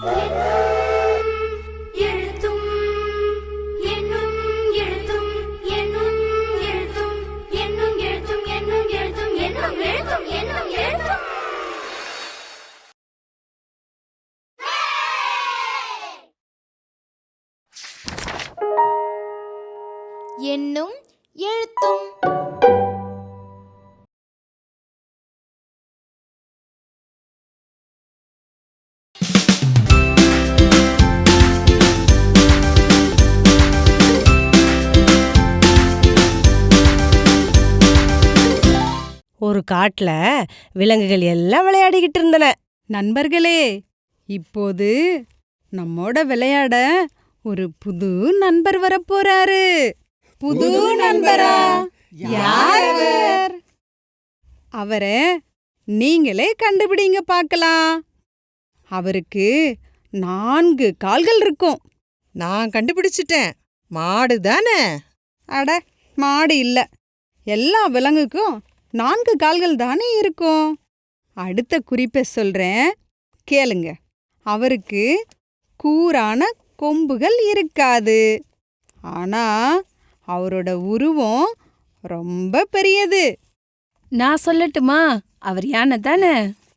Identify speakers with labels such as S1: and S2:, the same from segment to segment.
S1: எண்ணும் எழுத்தும்.
S2: ஒரு காட்டுல விலங்குகள் எல்லாம் விளையாடிக்கிட்டு இருந்தன.
S3: நண்பர்களே, இப்போது நம்மோட விளையாட ஒரு புது நண்பர் வரப்போறாரு. புது நண்பரா? யார் அவர்? அவரை நீங்களே கண்டுபிடிங்க பார்க்கலாம். அவருக்கு 4 கால்கள் இருக்கும்.
S4: நான் கண்டுபிடிச்சிட்டேன். மாடு தானே?
S3: அட, மாடு இல்ல. எல்லா விலங்குக்கும் 4 கால்கள் தானே இருக்கும். அடுத்த குறிப்பை சொல்றேன், கேளுங்க. அவருக்கு கூரான கொம்புகள் இருக்காது. ஆனா அவரோட உருவம் ரொம்ப பெரியது.
S5: நான் சொல்லட்டுமா? அவர் யானை தானே?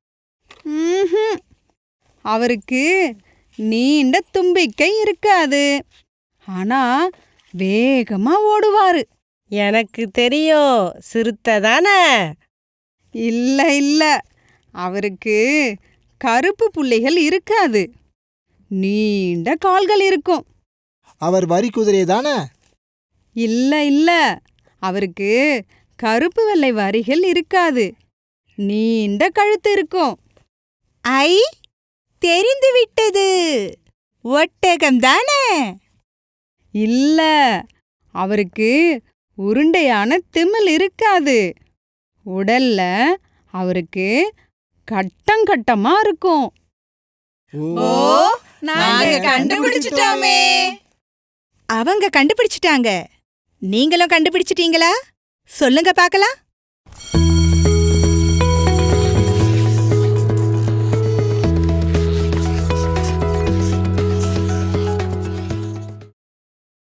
S3: அவருக்கு நீண்ட தும்பிக்கை இருக்காது. ஆனா வேகமா ஓடுவாரு.
S2: எனக்கு தெரியும், சிறுத்தை தானே?
S3: இல்ல இல்ல, அவருக்கு கருப்பு புள்ளிகள் இருக்காது. நீண்ட கால்கள் இருக்கும்.
S6: அவர் வரி குதிரை தானே?
S3: இல்ல இல்ல, அவருக்கு கருப்பு வெள்ளை வரிகள் இருக்காது. நீண்ட கழுத்து இருக்கும்.
S7: ஐ, தெரிந்து விட்டது. ஒட்டகம் தானே?
S3: இல்ல, அவருக்கு உருண்டையான திமில் இருக்காது. உடல்ல அவருக்கு கட்டங்கட்டமா இருக்கும்.
S7: ஓ, நாங்க கண்டுபிடிச்சிட்டோமே. அவங்க கண்டுபிடிச்சிட்டாங்க. நீங்களும் கண்டுபிடிச்சிட்டீங்களா? சொல்லுங்க பார்க்கலாம்.